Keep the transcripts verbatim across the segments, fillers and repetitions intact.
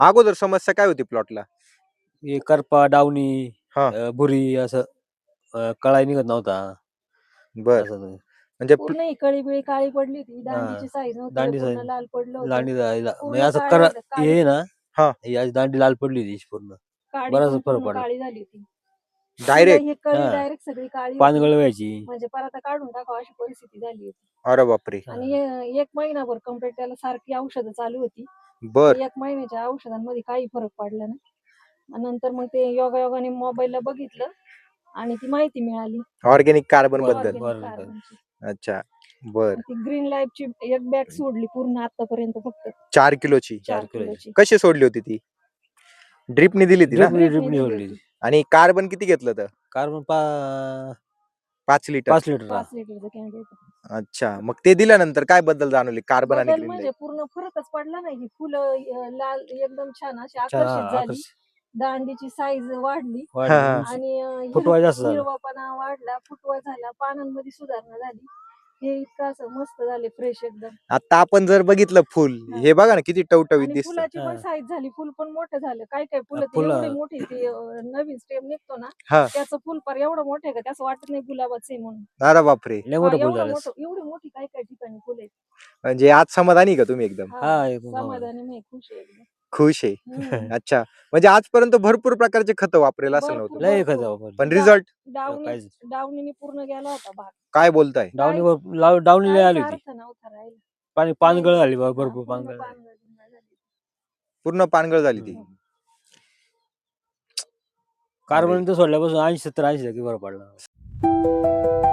अगोदर समस्या काय होती प्लॉटला? हे करपा, डावणी, हा अ, भुरी असं अ, कळाही निघत नव्हता. बर असं नाही. म्हणजे प्ल- पूर्ण ही कळी बिळी काळी पडली होती. हा. दांडीची साईज नव्हती. दांडी पूर्ण साईज. लाल पडलं होतं. दांडी जायला म्हणजे पूर्ण असं काळं कर झालं, काळी हे ना हा ही अशी दांडी लाल पडली होती पूर्ण. काडी बराच पण फरक पूर्ण पडला. काळी झाली होती. डायरेक्ट. ही कळी हा. डायरेक्ट सगळी काळी होती. पानगळ व्हायची. म्हणजे परत काढून टाकावं अशी परिस्थिती झाली होती. अरे बापरे. आणि हे एक महिनाभर कंप्लीट त्याला सारखी औषधं चालू होती. बर एक महिन्याच्या औषधांमध्ये काही फरक पडला नाही. आणि नंतर मग ते योगा योगाने मोबाईलला बघितलं आणि ती माहिती मिळाली ऑर्गॅनिक कार्बन बर- बद्दल. ऑर्गॅनिक बर- कार्बनची. अच्छा बर. ती ग्रीन लाईफची एक बॅग सोडली पूर्ण आतापर्यंत फक्त चार किलोची चार चार किलोची. किलोची. कशी सोडली होती ती? ड्रिपने दिली ती ना? ड्रिपनी ड्रिपनी ड्रिपनी दिली सोडली. होती. आणि कार्बन किती घेतलं तर? कार्बन पा पाच लिटर. पाच लिटर. पाच लिटरचं कॅन देतो. अच्छा मग ते दिल्यानंतर काय बदल जाणवले कार्बन आणि बदल ग्रीन म्हणजे लाईफ? पूर्ण फरकच पडला नाही. ही फुलं अं, लाल एकदम छान अशी छान, आकर्षित हा, झाली. आकर्षित. दांडीची साईज वाढली वाढली. हा. उंची. आणि अं, हिर- फुटवा जास्त झाला. हिरवापणा वाढला, फुटवा झाला, पानांमध्ये सुधारणा झाली. हे इतकं असं मस्त झाले फ्रेश एकदम. आता आपण जर बघितलं फुल हा. हे बघा ना किती टवटवीत आणि दिसत. फुलाची पण हा. साईज झाली. फुल पण मोठं झालं. काय काय फुलं ती फुलं- एवढी मोठी ती अं, नवीन स्टेम निघतो ना हा त्याचं फुल पर एवढं मोठं आहे का त्याचं वाटत नाही गुलाबाचं आहे म्हणून. अरे बापरे. लय हा, मोठं फुल एवढं झालं. मोठं एवढी मोठी काय काय ठिकाणी फुल आहेत. म्हणजे आज समाधानी का तुम्ही? एकदम हा, हा, एकदम समाधानी मी खुश आहे एकदम. खुश आहे. हम्म. अच्छा म्हणजे आजपर्यंत भरपूर प्रकारचे खत वापरेल असेल भरपूर, नव्हतं लय भरपूर. खत वापरली. पण रिझल्ट डावणी काहीच डावणीने पूर्ण गेला होता भाग. काय बोलताय? डावणीवर लाव- डावणी लय काहीच आली होती. अर्थ नव्हता राहिला. पाणी पानगळ नाही. झाली बा- हा, भरपूर पूर्ण पानगळ झाली. पानगळ झाली. पूर्ण पानगळ झाली ती. हम्म. कार्बन तर सोडल्यापासून ऐंशी सत्तर ऐंशी टक्के बरं पडला.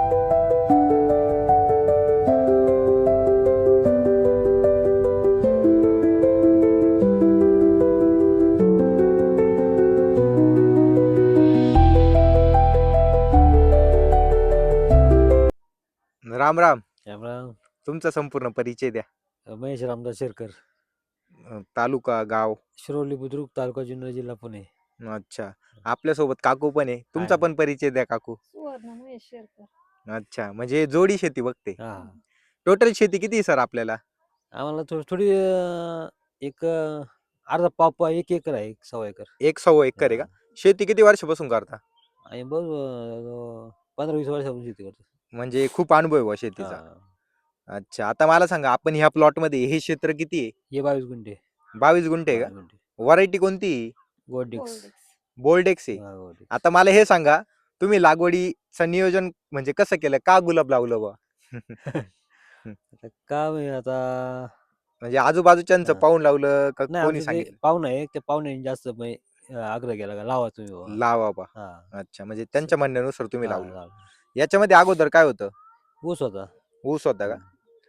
राम राम. त्यामुळं तुमचा संपूर्ण परिचय द्या. महेश रामदास शेरकर, अं, तालुका गाव. शिरोली बुद्रुक, तालुका जुन्नर, जिल्हा पुणे. अच्छा आपल्यासोबत काकू पण आहे. तुमचा आहे. पण परिचय द्या काकू. सुवर्ण महेश शेरकर. अच्छा म्हणजे जोडी शेती बघते. हा. टोटल शेती किती आहे सर आपल्याला? आम्हाला थोडी थोडी अं, एक अं, अर्धा पाव एक एकर आहे, एक सव्वा एकर. एक सव्वा एकर आहे का? शेती किती वर्षापासून करता? आणि बघ अं, पंधरा वीस वर्षापासून शेती करतो. म्हणजे खूप अनुभव आहे बुवा शेतीचा. हा. अच्छा आता मला सांगा आपण ह्या प्लॉट मध्ये हे क्षेत्र किती आहे? हे बावीस गुंठे. बावीस गुंठे आहे बावीस का? गुंठे. व्हरायटी कोणती? गोल्डिक्स. गोल्डेक्स. बोल्डेक्स आहे. हा, गोल्डिक्स. आता मला हे सांगा तुम्ही लागवडीचं नियोजन म्हणजे कसं केलं? का गुलाब लावलं बा? आता काय माहिती आता म्हणजे आजूबाजूच्यांचं हा. पाहून लावलं का नाही कोणी आमचं ते सांगितलं? पाहुणं आहे, त्या पाहुण्याने जास्त म्हणजे, अं, आग्रह केला का लावा तुम्ही बाबा. लावा बा. हा. अच्छा म्हणजे त्यांच्या म्हणण्यानुसार तुम्ही हा, लावलं. लावा. याच्यामध्ये अगोदर काय होतं? ऊस होता. ऊस होता का? हम्म.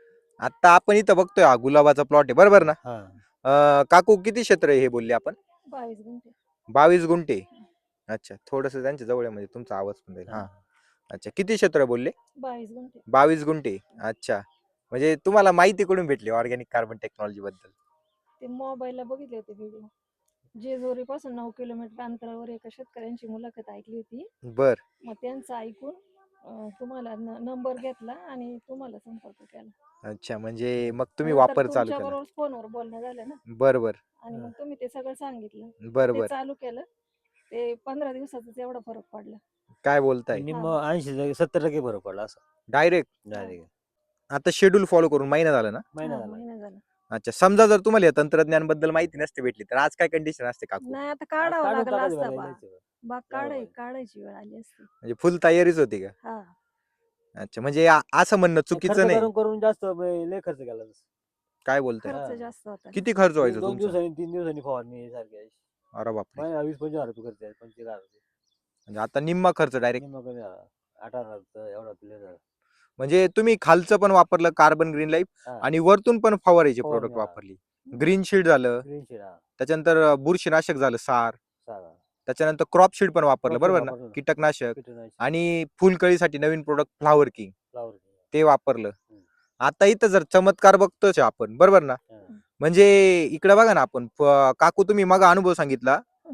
आता आपण इथं बघतोय हा गुलाबाचा प्लॉट आहे बरोबर ना? हा. अं, काकू किती क्षेत्र आहे हे बोलले आपण? बावीस गुंठे. बावीस गुंठे. अच्छा थोडस त्यांच्या जवळ आहे म्हणजे तुमचा आवाज पण जाईल. हा हा. अच्छा किती क्षेत्र बोलले? बावीस गुंठे. बावीस गुंठे. अच्छा म्हणजे तुम्हाला माहिती कुठून भेटली ऑर्गॅनिक कार्बन टेक्नॉलॉजी बद्दल? ते मोबाईलला बघितले होते व्हिडिओ. जेजुरी पासून नऊ किलोमीटर अंतरावर एका शेतकऱ्यांची मुलाखत ऐकली होती. बर मग त्यांचं ऐकून अं, तुम्हाला नंबर घेतला आणि तुम्हाला संपर्क केला. अच्छा म्हणजे मग तुम्ही नंतर वापर चालू तुमच्या केला. बरोबर फोनवर बोलणं झालं ना बर बर आणि मग तुम्ही ते सगळं सांगितलं. बर ते बर चालू केलं. ते पंधरा दिवसातच एवढा फरक पडला. काय बोलताय? निम्म ऐंशी सत्तर टक्के फरक पडला असं डायरेक्ट? डायरेक्ट. आता शेड्यूल फॉलो करून महिना झाला ना? महिना हा, झाला. महिना झाला. अच्छा समजा जर तुम्हाला या तंत्रज्ञान बद्दल माहिती नसते भेटली तर आज काय कंडिशन असते काकू? नाही आता आज काढावं काढून लागला टाकायचं असता बरं, बा. यायचं. बाग काढाय बरोबर. काढायची वेळ आली असती. म्हणजे फुल तयारीच होती का? हा. अच्छा म्हणजे आ- असं म्हणणं ते चुकीचं खर्च नाही. करून करून जास्त म्हणजे लय खर्च केला तसं. काय बोलताय? खर्च हा. जास्त होता ना. किती खर्च तीन- व्हायचा दोन तुमचा? दिवसांनी तीन दिवसांनी फवारणी सारखी आहे. अरे बापरे. महिना वीस पंचवीस हजार रुपये खर्च आहे, पंचवीस हजार रुपये. म्हणजे आता निम्मा खर्च डायरेक्ट. निम्मा कमी झाला. अठरा हजार एवढा तुला झाला. म्हणजे तुम्ही खालचं पण वापरलं कार्बन ग्रीन लाईफ हा. आणि वरतून पण फवारायचे फवारणी, प्रोडक्ट हा. वापरली. ग्रीन शीड झालं, ग्रीन शेड हा. त्याच्यानंतर अं, बुरशीनाशक झालं सार, सारा. त्याच्यानंतर क्रॉप शीड पण वापरलं Crop sheet बरोबर ना? वापरलं ना. कीटकनाशक कीटकनाशक, आणि फुलकळीसाठी नवीन प्रोडक्ट फ्लावर किंग फ्लॉवर. ते वापरलं. हम्म. आता इथं जर चमत्कार बघतोच आहे आपण बरोबर ना? हा. म्हणजे इकडे बघा ना आपण फ- काकू तुम्ही मग अनुभव सांगितला हम्म.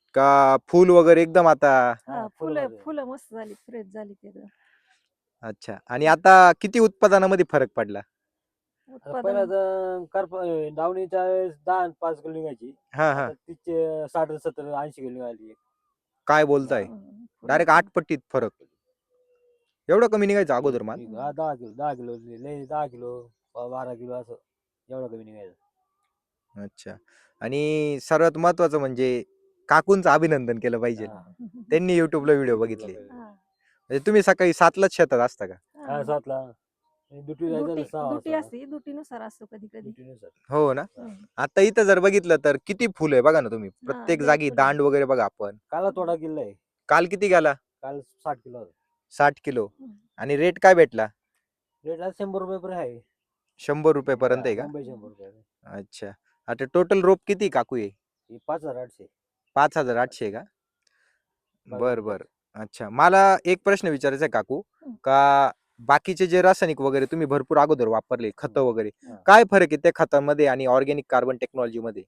का फुल वगैरे एकदम आता. हा, हा, फुलं फुलामध्ये. फुलं मस्त झाली, फ्रेश झाली ते एकदम. अच्छा आणि आता किती उत्पादनामध्ये फरक पडला? आता पहिला उत्पादन तर करप डावणीच्या वेळेस दहा आणि पाच किलो निघायची. हा हा आता तिचे साठ सत्तर ऐंशी किलो निघाली. काय बोलताय डायरेक्ट आठ पट्टीत फरक एवढं कमी निघायचं अगोदर माल ठीक आहे. हा, दहा किलो दहा किलो लय दहा किलो बा- बारा किलो असं एवढं कमी निघायचं. अच्छा आणि सर्वात महत्वाचं म्हणजे काकूंचं अभिनंदन केलं पाहिजे हा. त्यांनी युट्यूबला व्हिडिओ बघितले हा. म्हणजे तुम्ही सकाळी सातलाच शेतात असता का हा, हा. सातला ड्युटी जायचं दुटी तर सहा दुटी वाजता. असते दुटीनुसार असतो कधी कधी ड्युटीनुसार. हो ना हम्म. आता इथं जर बघितलं तर किती फुल आहे बघा ना तुम्ही हा, प्रत्येक लय जागी फुलं आहे. दांड वगैरे बघा आपण काला थोडा किल्ला आहे. काल किती गेला काल साठ किलो होता. साठ किलो हम्म. आणि रेट काय भेटला रेट आज शंभर रुपये पर्यंत आहे. शंभर रुपये पर्यंत आहे का मुंबई शंभर रुपये आहे. अच्छा आता टोटल रोप किती काकू आहे ही पाच हजार आठशे. पाच हजार आठशे का बघा बर आता. बर अच्छा मला एक प्रश्न विचारायचा आहे काकू हं. का बाकीचे जे रासायनिक वगैरे तुम्ही भरपूर अगोदर वापरले खतं वगैरे हा. काय फरक आहे त्या खतांमध्ये आणि ऑर्गॅनिक कार्बन टेक्नॉलॉजी मध्ये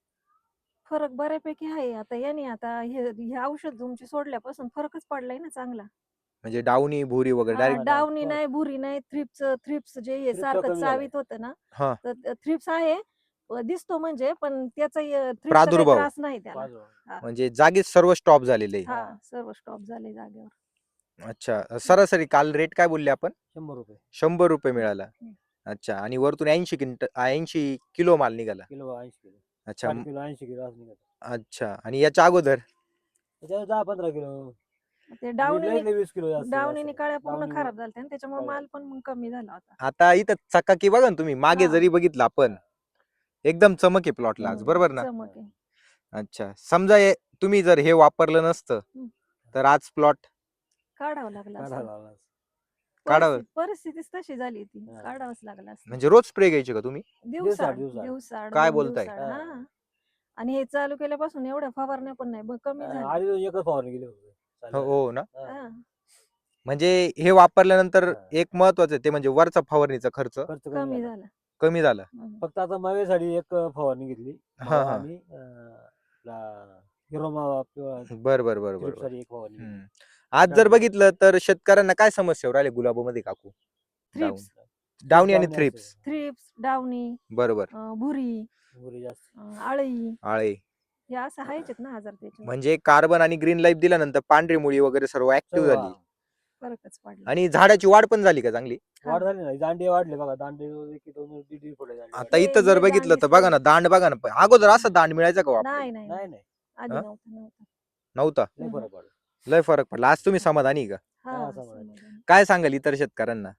फरक बऱ्यापैकी आहे आता याने आता हे हे औषध तुमची सोडल्यापासून फरकच पडलाय ना चांगला. म्हणजे डावणी भुरी वगैरे हा, डायरेक्ट डावणी फरक. नाही भुरी नाही थ्रिप्स थ्रिप्स जे हे थ्रिप्सचं सारखं कमी झालंय. चावीत होतं ना हा तर थ्रिप्स आहे अ, दिसतो म्हणजे पण त्याचा थ्रिप्सचा काही प्रादुर्भाव. त्रास नाही त्याला. पाच हजार. हा. म्हणजे जागीच सर्व स्टॉप झालेले आहे. हा हा. सर्व स्टॉप झाले जागेवर. अच्छा सरासरी काल रेट काय बोलले आपण शंभर रुपये शंभर रुपये मिळाला हं. अच्छा आणि वरतून ऐंशी किंट ऐंशी किलो माल निघाला किलो ऐंशी किलो अच्छा साठ म- किलो ऐंशी किलो असं निघालं. अच्छा आणि याच्या अगोदर त्याच्यावर दहा पंधरा किलो ते वीस डावणीने लई वीस किलो जास्त डावणीने असं. काळ्या पूर्ण डावणी खराब झाल्या आणि त्याच्यामुळे काळ्या. माल पण मग कमी झाला होता. आता इथं चकाकी बघा ना तुम्ही मागे हा. जरी बघितलं आपण एकदम चमक आहे प्लॉटला आज हम्म. बरोबर ना चमक आहे. अच्छा समजा हे तुम्ही जर हे वापरलं नसतं हं. तर आज प्लॉट काढावं लागलं असतं. काढायला लागला. काढावं परिस्थिती परिस्थितीच तशी झाली ती हा. काढावंच लागलं असतं. म्हणजे रोज स्प्रे घ्यायचे का तुम्ही दिवसाड दिवसाड. दिवसाड काय दोन बोलताय? दिवसाड, हा. हा आणि हे चालू केल्यापासून एवढ्या फवारण्या पण नाही ब- कमी झाल्या. आधी दोन एकच फवारणी गेली होती. हो चालेल. हो ना हा. हा. म्हणजे हे वापरल्यानंतर हा. एक महत्वाचं आहे ते म्हणजे वरचा फवारणीचा खर्च खर्च कमी कमी झाला. झाला. कमी झाला हम्म. फक्त आता मावेसाठी एक फवारणी घेतली. हा, मावा हा. आणि अं, आपला हिरो मावा किंवा बर बर बर बर बर. थ्रिप्ससाठी एक फवारणी घेतली. हम्म. आज जर बघितलं तर शेतकऱ्यांना काय समस्या राहिले गुलाबामध्ये काकू डाऊन थ्रिप्स डाऊनी आणि डावणी थ्रिप्स असते. थ्रिप्स डावणी बरोबर अं, भुरी भुरी जास्त. अं, आळी आळे हे असं आहेच ना आजार त्याच्यावर म्हणजे कार्बन आणि ग्रीन लाईफ दिल्यानंतर पांढरी मुळी वगैरे सर्व ऍक्टिव्ह सर्व झाली फरकच पडला. आणि झाडाची वाढ पण झाली का चांगली वाढ झाली ना दांडे वाढले बघा दांडे एक दोन दीड दीड फुट दांडे आता वाढले. हे- इथं जर हे बघितलं दांडी तर बघा ना सोडली. दांड बघा ना अगोदर असं दांड मिळायचा का वापरायला? नाही नाही नाही नाही आधी हा? नव्हतं नव्हतं नव्हता लय हम्म. फरक पडला. लय फरक पडला आज तुम्ही समाधानी आहे का हा हा, समाधान. समाधान. काय सांगाल इतर शेतकऱ्यांना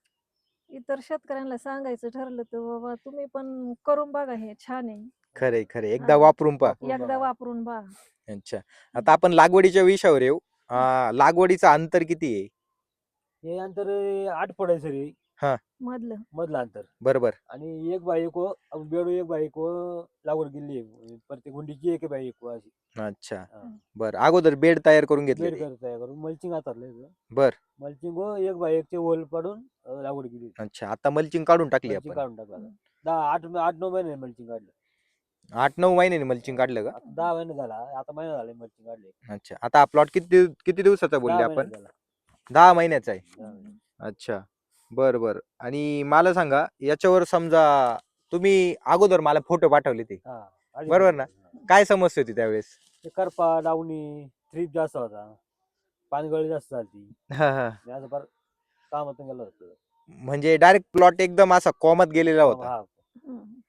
इतर शेतकऱ्यांना सांगायचं ठरलं तर बाबा तुम्ही पण करून बघा हे छान आहे खरे खरे एकदा हा. वापरून पहा वापरून एकदा बघा. वापरून बघा. अच्छा आता आपण लागवडीच्या विषयावर येऊ अं, लागवडीचं अंतर किती आहे हे अंतर आठ फूट आहे सरी मधलं मधलं अंतर बरोबर आणि एक बाईक बेडू एक बाईक लागवड केली प्रत्येक गुंडीची एक बाईक अशी अच्छा हा. बर अगोदर बेड तयार करून घेतले बेड ते. करत तयार करून मल्चिंग हातातलं बर मल्चिंग एक बाईकचे ओल पाडून अं, लागवड केली अच्छा आता मल्चिंग काढून टाकली मल्चिंग आपण काढून टाकला दहा आठ आठ नऊ महिने मल्चिंग काढलं आठ नऊ महिन्याने मल्चिंग काढलं का आता दहा महिने झाला आता महिना झाला मल्चिंग काढले अच्छा आता हा प्लॉट किती दिव- किती दिवसाचा बोलले दहा आपण महिने झाला दहा महिन्याचा आहे दहा महिने. अच्छा बर बर आणि मला सांगा याच्यावर समजा तुम्ही अगोदर मला फोटो पाठवले ते हा आधी बरोबर पडलं. ना? हा. काय समस्या होती त्यावेळेस ते करपा डावणी थ्रीप जास्त होता पानगळी जास्त झाली हा हा असं फार कामातून गेलं होतं म्हणजे डायरेक्ट प्लॉट एकदम असा कॉमत गेलेला होता हा हम्म.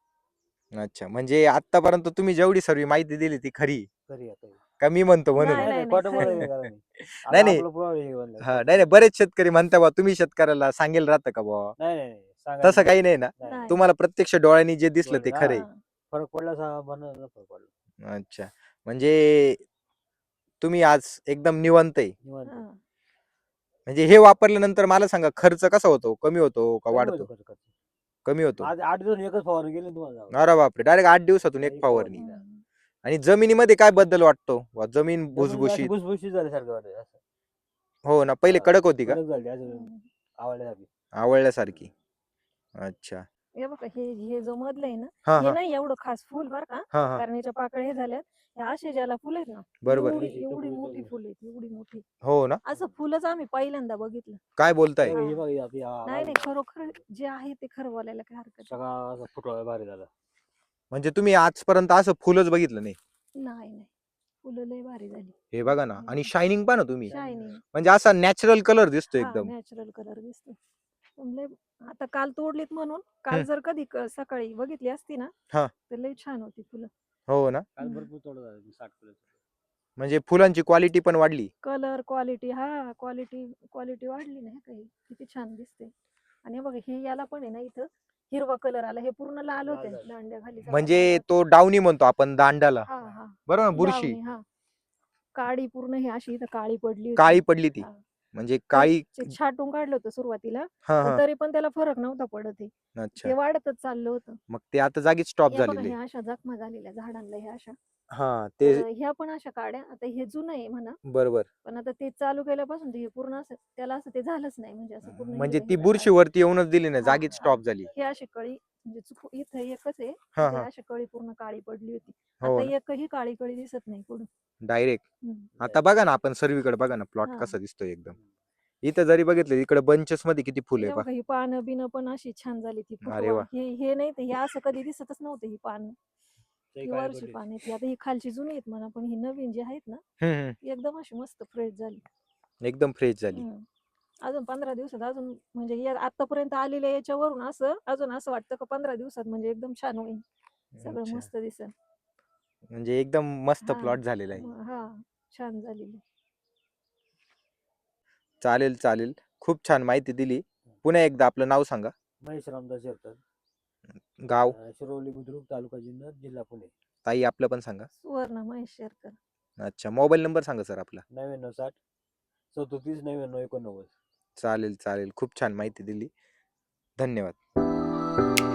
अच्छा म्हणजे आतापर्यंत तुम्ही जेवढी सर्व माहिती दिली ती खरी खरी आहे, खरी. का मी म्हणतो म्हणून नाही, नाही नाही नाही, खोटं खरं बोलायचं आहे. कारण नाही. आता नाही, नाही. आपलं पुरावा हे बनलं. हा नाही नाही बरेच शेतकरी म्हणता बा तुम्ही शेतकऱ्याला सांगेल राहतं का बा नाही नाही नाही, सांगायचं तसं काही नाही ना नाही, नाही. तुम्हाला प्रत्यक्ष डोळ्यांनी जे दिसलं ते हा. खरे हा. फरक पडला सांगा म्हणून फरक पडला अच्छा म्हणजे तुम्ही आज एकदम निवांत आहे निवांत. हा. म्हणजे हे वापरल्यानंतर मला सांगा खर्च कसा होतो कमी होतो का कमी वाढतो होतं खर्च, खर्च. कमी होतो आज आठ दिवस एकच फवारणी गेली तुम्हाला अरे बापरे डायरेक्ट आठ दिवसातून एक एक फवारणी फवारणी. हम्म. आणि जमिनीमध्ये काय बदल वाटतो वा जमीन जमीन अशी भुसभुशीत भुसभुशीत झाल्यासारखं वाटतं असं. हो ना पहिले हा, कडक होती का कडक झाली असं हम्म. आवडल्यासारखी आवळल्यासारखी अच्छा हे बघा हे हे जो मधलं आहे ना हा हे हा नाही एवढं खास फुल बरं का हा हा कारण्याच्या पाकळ्या हे झाल्यात हे असे ज्याला फुल आहेत ना बरोबर. एवढी इथं एवढी फुलं मोठी बघ. फुल आहेत एवढी मोठी हो ना, असं फुलच आम्ही पहिल्यांदा बघितलं काय बोलताय? हे हा. बघ, हे आपली आ- नाही नाही आवाज- खरोखर जे आहे ते खरं बोलायला काय हरकत सगळा असा फुटवा भारी झाला. म्हणजे तुम्ही आजपर्यंत असं फुलच बघितलं नाही. नाही नाही फुलं लय भारी झाली हे बघा ना, आणि शायनिंग पहा ना तुम्ही, शायनिंग म्हणजे असा नॅचरल कलर दिसतो हा एकदम. नॅचरल कलर दिसतो पण लय आता काल तोडलीत म्हणून काल हम्म. जर कधी क- सकाळी बघितली असती ना हा. तर लय छान होती फुलं हो ना, काल हम्म. भरपूर तोडा झाला साठ फुलं. म्हणजे फुलांची क्वालिटी पण वाढली. कलर क्वालिटी हा क्वालिटी क्वालिटी वाढली नाही काही किती छान दिसते आणि हे बघा हे याला पण आहे ना इथं हिरवा कलर आला हे पूर्ण लाल लाल होते झालं. दांड्या खाली म्हणजे तो डावणी म्हणतो आपण दांडाला, हा हा बरोबर ना, बुरशी लावणी, हा काळी पूर्ण ही अशी इथं काळी पडली होती. काळी पडली ती, हा. म्हणजे ते- काळी. ते छाटून काढलं होतं सुरुवातीला हा पण हा तरी पण त्याला फरक नव्हता पडत हे अच्छा, ते वाढतच चाललं होतं मग ते आता जागीच स्टॉप या बघा झालेले. ह्या अशा जखमा झालेल्या झाडांना ह्या अशा हा ते तर ह्या पण अशा काड्या आता हे जुनं आहे म्हणा बरोबर, पण आता ते चालू केल्यापासून ते पूर्ण असं त्याला असं ते झालंच नाही म्हणजे असं पूर्ण म्हणजे हिरवं- ती हिरवं बुरशी झालं. वरती येऊनच दिली नाही, हा, जागीच हा. स्टॉप झाली. हे अशी कळी म्हणजे चुक इथं एकच आहे हा ते हा अशी कळी पूर्ण काळी पडली होती हो आता ना, एकही काळी कळी दिसत नाही पुढं डायरेक्ट. हम्म. आता बघा ना, आपण सर्वीकडे बघा ना, प्लॉट हा. कसा दिसतोय एकदम. इथं जरी बघितलं इकडे बंचेस मध्ये किती फुले हे पहा. बघा ही पानं बिनं पण अशी छान झाली ती अरे फुटवा वा. हे हे नाही तर हे असं कधी दिसतच नव्हतं ही पान ते ही काळी वरची पडली. पान आहेत आता ही खालची जुनी आहेत म्हणा पण ही नवीन जी आहेत ना हम्म, हम्म. ती एकदम अशी मस्त फ्रेश झाली एकदम फ्रेश झाली. हम्म. अजून पंधरा दिवसात अजून म्हणजे या आतापर्यंत आलेल्या याच्यावरून असं अजून असं वाटतं का पंधरा दिवसात म्हणजे एकदम छान होईल सगळं अच्छा. मस्त दिसेल म्हणजे एकदम मस्त हा. प्लॉट झालेला आहे. म- हा छान झालेली चालेल चालेल, खूप छान माहिती दिली. पुन्हा एकदा आपलं नाव सांगा. महेश रामदास शेरकर, गाव. अं, शिरोली बुद्रुक, तालुका जुन्नर, जिल्हा पुणे. ताई आपलं पण सांगा. सुवर्ण महेश शेरकर अच्छा, मोबाईल नंबर सांगा सर आपला. नव्याण्णव साठ सदोतीस नव्याण्णव एकोणनव्वद. चालेल चालेल, खूप छान माहिती दिली. धन्यवाद.